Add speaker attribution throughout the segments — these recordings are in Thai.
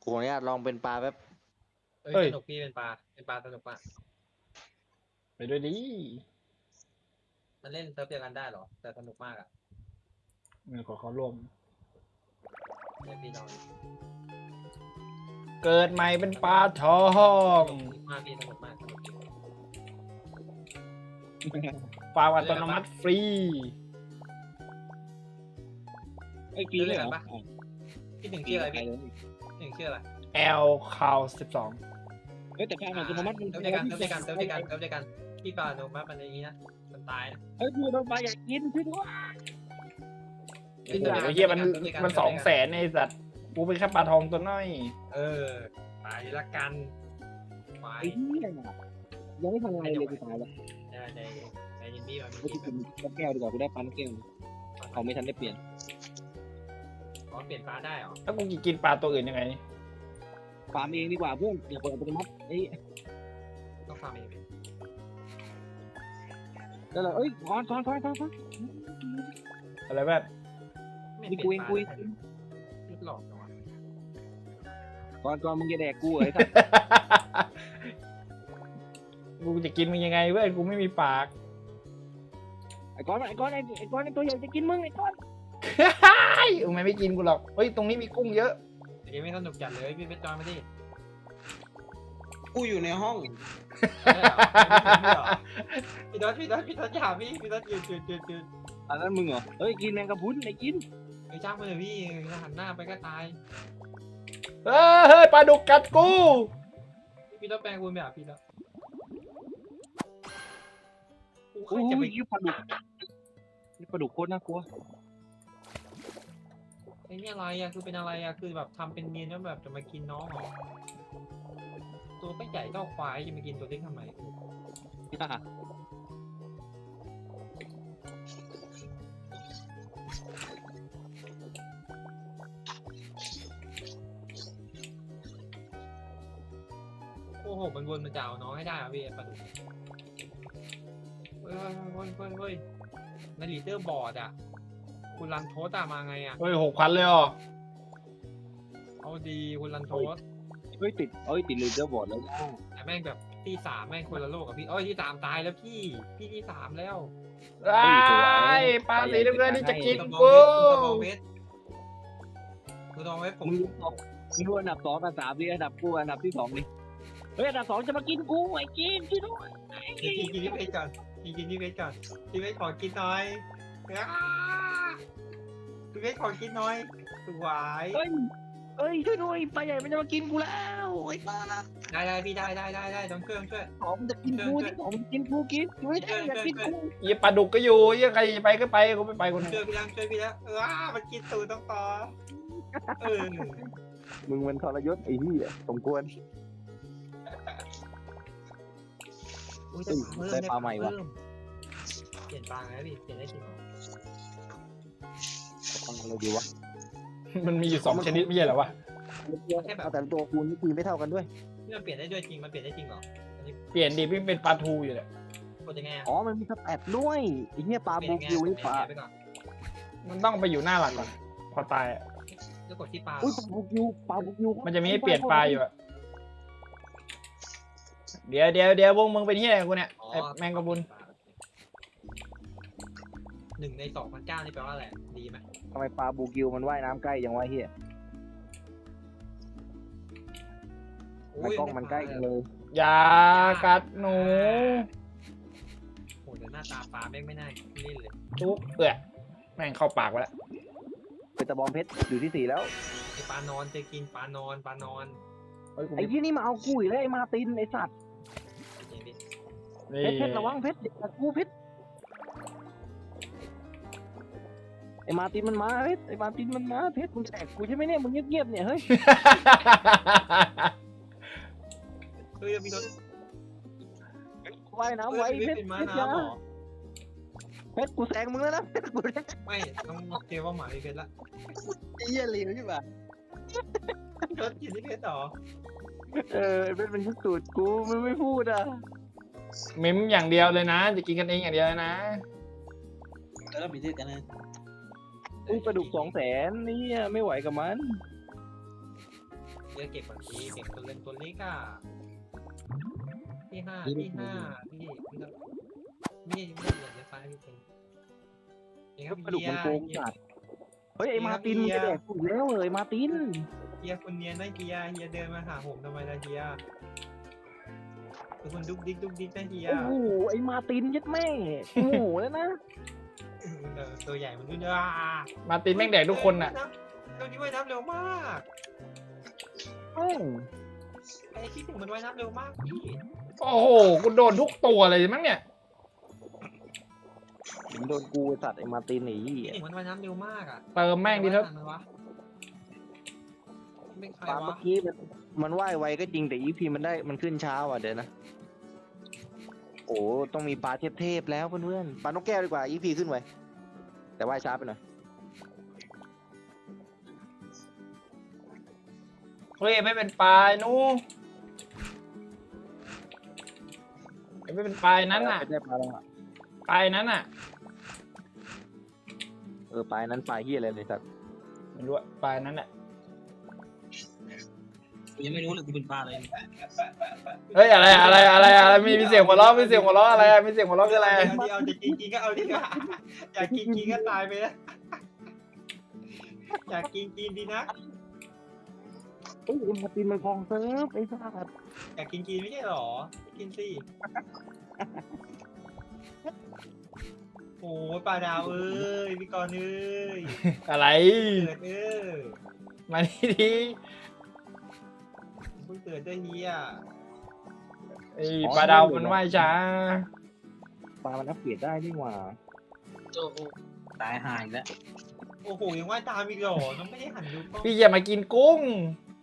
Speaker 1: ขออนุญาตลองเป็นปลาแป๊บ
Speaker 2: สนุกพี่เป็นปลาสนุกมาก
Speaker 3: ไปด้วยดิ
Speaker 2: มันเล่นเซิร์ฟเดียวกันได้หรอแต่สนุกมากอ่ะ
Speaker 3: ขอเขาร่วม
Speaker 2: เล่นพี่น้อง
Speaker 3: เกิดใหม่เป็นปลาทอง
Speaker 2: สนุกมากพี่สนุกมาก
Speaker 3: ปลาอัตโนมัติฟรี
Speaker 4: ไอ้กีเลยเหรอ
Speaker 2: พี่หนึ่งชื่ออะไรพี่หนึ่งชื่ออะไร
Speaker 3: L คาว12
Speaker 4: เฮ้ยแต่แพงอัตโนมัติมัน
Speaker 2: เซิร์ฟเดียวกันพี่ปลาโนมัติมันอย่างนี้นะมันตายนะ
Speaker 4: เฮ้ยกูโดนปลาอยากกินช่วยด้วย
Speaker 3: ไอ้เหี้ยมัน200,000ไอ้สัตว์กูเป็นแค่ปลาทองตัวน้อย
Speaker 2: ตายละกันไป
Speaker 4: ไอ้เหี้ยยังไม่ทำอะไรเลยกูตายแล้ว
Speaker 2: ในยินดีมัน
Speaker 4: กูจะกินน้ำแก้วดีกว่ากูได้ปลาน้ำแก้วเขาไม่ทันได้เปลี่ยน
Speaker 2: เปลี่ยนปลาได้หรอ
Speaker 3: แล้วกูกินปลาตัวอื่นยังไง
Speaker 4: ฟาร์มเองดีกว่าเพื่อนอย่าเปิดอัตโนมัติไอ้
Speaker 2: ต้องฟาร์มเอง
Speaker 4: แล้วเราเอ้ยก่อน
Speaker 3: อะไรแบบ
Speaker 2: หลอกเนาะ
Speaker 4: ก่อนมึงจะแดกกูไอ้สัส
Speaker 3: กูจะกินมึงยังไงเว้ยกูไม่มีปาก
Speaker 4: ไอ้ก้อนไอ้ตัวใหญ่จะกินมึงไอ้ก้อน
Speaker 3: ไอ้มันไม่กินกูหรอกเฮ้ยตรงนี้มีกุ้งเยอะ
Speaker 2: เกมไม่สนุกจัดเลยพี่ไปจอยมาดิ
Speaker 1: กูอยู่ในห้อง
Speaker 2: พี่ดอทอย่าพี่ดอทยืน
Speaker 4: อันนั้นมึงเหรอเฮ้ยกินแมงกะพรุนไอ้กิน
Speaker 2: ไอ้จ้างมือพี่หันหน้าไปก็ตาย
Speaker 3: เฮ้ยปลาดุกกัดกู
Speaker 2: พี่ดอทแปลงกูแบบพี่ดอทกู
Speaker 4: โอ้
Speaker 2: จะไป
Speaker 4: ยปลาดุกโคตรน่ากลัว
Speaker 2: ไอ้นี่อะไรอะคือเป็นอะไรอะคือแบบทำเป็นเนียนแล้วแบบจะมากินน้องเหรอตัวก็ใหญ่เท่าควายจะมากินตัวเล็กทำไมโอ้โหมันวนมันจะเอาน้องให้ได้อะพี่ปลาดุกเฮ้ยในลีดเดอร์บอร์ดอะคุณรันโทสอะมาไงอะ
Speaker 3: เฮ้ย6,000เลยอ๋อ
Speaker 2: เอาดีคุณรันโทส
Speaker 4: เฮ้ยติดลีดเดอร์บอร์ดแล้ว
Speaker 2: แต่แม่งแบบที่สามแม่งคนละโลกกับพี่ที่สามตายแล้วพี่ที่สามแล้ว
Speaker 3: ไอ้ปลาสีน้ำเงินนี่จะกินกู
Speaker 2: คุณตองเวฟผม
Speaker 4: มึงดูอันดับ2อันดับ3ดิอันดับกูอันดับที่2ดิเฮ้ยอันดับ2จะมากินกูไอ้กินช่วยด้วย
Speaker 2: กินที่เวฟก่อนกินที่เวฟก่อนที่เวฟขอกินหน่อยที่เวฟขอกินหน่อยสวย
Speaker 4: เฮ้ยช่วยด้วยปลาใหญ่มันจะมากินกูแล้วไอ้ปลา
Speaker 2: ได้พี่ได้ต้องเครื่องช่วย
Speaker 4: ของมันจะกินกูที่ของมันกินกูกินไม่ได้อยากกินกู
Speaker 3: ยี่ปลาดุกก็อยู่ยี่ใครจะไปก็ไปกูไม่ไปคน
Speaker 2: ช่วยพี่แล้วมันกินตูต้องต่อ
Speaker 4: มึงมันทรยศไอ้เหี้ยสมควร ได้ปลาใหม่วะ
Speaker 2: เปลี่ยนปลาไงพี่เปลี่ยนได้จริงเหรอ
Speaker 4: ฟังอะไรดีวะ
Speaker 3: มันมีอยู่2ชนิดไม่ใช่เหรอวะ
Speaker 4: เอาแต่ตัวคูณนี่คือไม่เท่ากันด้วย
Speaker 2: นี่มันเปลี่ยนได้ด้วยจริงมันเปลี่ยนได้จริงเหรอ
Speaker 3: เปลี่ยนดิพี่เป็นปลาทูอยู่เลย
Speaker 2: กดยังไง
Speaker 4: อ๋อมันมีสแตทด้วยไอ้เหี้ยปลาบูคิวนี่ปลา
Speaker 2: ไปก่อน
Speaker 3: มันต้องไปอยู่หน้าหลักก่อนพอตายอะ
Speaker 2: แล้วกดที่ปลา
Speaker 4: อุ้ยปลาบูคิว
Speaker 3: มันจะมีให้เปลี่ยนปลาอยู่อะเดี๋ยววงมึงเป็นที่ไหนกูเนี่ยไอ้แมงกะพรุน
Speaker 2: 1 ใน 2,900นี่แปลว่าอะไรดีไหม
Speaker 4: ทำไมปลาบูคิวมันว่ายน้ำใกล้ยังวะเหี้ยมันกล้องมันใกล้กันเลย
Speaker 3: อย่ากัดหนู
Speaker 2: โหแต่หน้าตาปลาแม่งไม่น่าเล่นเลย
Speaker 3: จุ๊บเปื่อยแม่งเข้าปากไปแล้ว
Speaker 4: เป็นตะบองเพชรอยู่ที่4แล้ว
Speaker 2: ไอปลานอนจะกินปลานอน
Speaker 3: เฮ้ยกู
Speaker 4: ไอ้ยี่นี่มาเอากูอีกแล้วไอ้มาตินไอ้สัตว์
Speaker 2: อย่างนี้
Speaker 3: นี่
Speaker 4: เพชรระวังเพชรเด็กกูเพชรไอ้มาตินมันมาเพชรไอ้มาตินมันมาเพชรมึงจะแดกกูใช่ไหมเนี่ยมึงเงียบๆเนี่ยเฮ้ย
Speaker 2: เฮ้ยมีรถ
Speaker 4: ว่ายน้ำไว้เพชร
Speaker 2: เป็นม้า
Speaker 4: เพชรยา
Speaker 2: น้ำหรอ
Speaker 4: เพชรกูแซงมึงแล้วนะเพชรกูแซง
Speaker 2: ไม่ต้องเจอว่าหมายเพชรละ
Speaker 4: ไอ้เหี้ยเหลวใช่ปะ
Speaker 2: รถกินที่เพชรหรอ
Speaker 4: ไอ้เพชรมันยึดตูดกูมันไม่พูดอ่ะ
Speaker 3: มิมอย่างเดียวเลยนะ จะกินกันเองอย่างเดียวเลยนะ
Speaker 1: แล้วมีที่กันนะ
Speaker 4: อุ้ยปลาดุก200,000นี่ไม่ไหวกับมัน
Speaker 2: เจะเก็บก่อนพี่เก็บตัวเล่นตัวเล็กอ่ะที่ห้าพี่ไม่เหลือในไฟพี่เองครับ
Speaker 4: กระดูก
Speaker 2: เฮี
Speaker 4: มัน
Speaker 2: ย
Speaker 4: โกงจัดเฮ้ยไอ้มาร์ตินมึงจะแดกกูอีกแล้วเลยมาร์ติน
Speaker 2: เฮียคนเนียนนะเฮียเดินมาหาผมทำไมล่ะเฮียคือคนดุกดิกนะเฮีย
Speaker 4: โอ้โหไอ้มาร์ตินยัดแม่โอ้โหแล้วนะ
Speaker 2: ตัวใหญ่มันด้วย
Speaker 3: มาร์ตินแม่งแดกทุกคนน่ะ
Speaker 2: ตัวนี้ว่ายน้ำเร็วมาก
Speaker 4: แม่ง
Speaker 2: ไอ้ที่ถึงมันว่ายน้ำเร็วมากพี่
Speaker 3: โอ้โหกูโดนทุกตัวเลยมั้งเนี่ย
Speaker 4: มันโดนกูไอ้สัตว์ไอ้มาร์ตินไอ้ยี่
Speaker 2: ที่ถึงมันว่ายน้ำเร็วมากอ่ะ
Speaker 3: เติมแม่งดิเถอะ
Speaker 2: ไม่ใคร
Speaker 4: ปลาเมื่
Speaker 2: วะ
Speaker 4: อกี้มันว่ายไวก็จริงแต่อีพีมันขึ้นเช้าอ่ะเดี๋ยวนะโอ้ต้องมีปลาเทพๆแล้วเพื่อนๆปลานกแก้วดีกว่าอีพีขึ้นไวแต่ว่ายช้าไปหน่อย
Speaker 3: เฮ้ยไม่เป็นปลายนู้ไม่เป็นปลายนั้นน่ะ
Speaker 4: ไม่ได้ปลาแล้วอ่ะ
Speaker 3: ปลายนั้นน่ะ
Speaker 4: ปลายนั้นปลายเฮียอะไรเลยสัตว์
Speaker 3: ไม่รู้อะปลายนั้นน่ะ
Speaker 1: ยังไม่รู้เลยกูเป็นปลาอะไร
Speaker 3: เฮ้ยอะไรมีเสียงหัวเราะอะไรอะมีเสียงหัวเราะคืออะไรอะ
Speaker 2: เอาจะกินก็เอาดีกว่าอยากกินก็ตายไปแล้วอยากกินดีนะ
Speaker 4: เฮ้ยไอ้มาร์ตินมันคลองเซิร์ฟไอ้สัตว์
Speaker 2: อยากกินไม่ใช่หรอกินสิโอ้ปลาดาวเอ้ยพี่กรณ์เอ้ย
Speaker 3: อะไร
Speaker 2: เกิด
Speaker 3: มานี่ดี
Speaker 2: เพิ่งเกิดด้วยเฮีย
Speaker 3: ไอ้ปลาดาวมันว่ายช้า
Speaker 4: ปลามันอัปเกรดได้นี่หว่า
Speaker 1: โอ้โหตายหายแล้ว
Speaker 2: โอ้โหยังว่ายตามอีกเหรอน้องไม่ได้หันดูกล้อง
Speaker 3: พี่อย่ามากินกุ้ง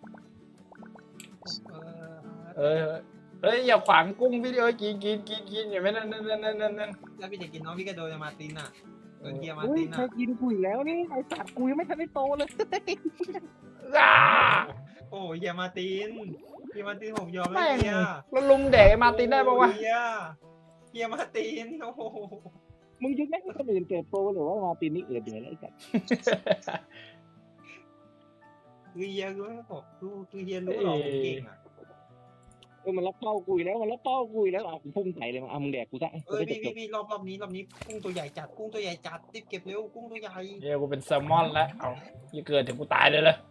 Speaker 2: เออ
Speaker 3: เฮ้ยอย่าขวางกุ้งพี่เอ้ยกินอย่าไม่นั่น
Speaker 2: แล้วพี่จะกินน้องพี่ก็โดนมาร์ตินอ่ะโดนเฮียมาร์
Speaker 4: เฮ้ย
Speaker 2: ติน
Speaker 4: ใคร
Speaker 2: อ่ะ
Speaker 4: กินกุยแล้วนี่ไอ้สัตว์กุยไม่ทันได้โตเลย
Speaker 3: อ่า
Speaker 2: โอ้เฮียมาร์ตินผมยอม
Speaker 3: แม่
Speaker 2: แล้ว
Speaker 3: ง
Speaker 2: เฮีย
Speaker 3: แล้วลุมแดกไอ้มาร์ตินได้ปะวะ
Speaker 2: เฮียมาร์ตินโอ้โห
Speaker 4: มึงจะไม่ให้คนอื่นเติบโตหรือว่ามาร์ตินนี่เกิดเหนื่อยแล้วไอ้สัตว์
Speaker 2: คือเฮียรู้ไหมผมคือเฮียรู้หรอผมเก่งอ่ะ
Speaker 4: มันรับเป้ากุยแล้วมันรับเป้ากุยแล้วอ่ะกูพุ่งใส่เลยมามึงแดกกูซะ
Speaker 2: พี่รอบนี้กุ้งตัวใหญ่จัดรีบเก็บเร็วกุ้งตัวใหญ่
Speaker 3: เนี่ยกูเป็นแซลมอนแล้วเอาอย่าเกิดถึงกูตายเลยเลย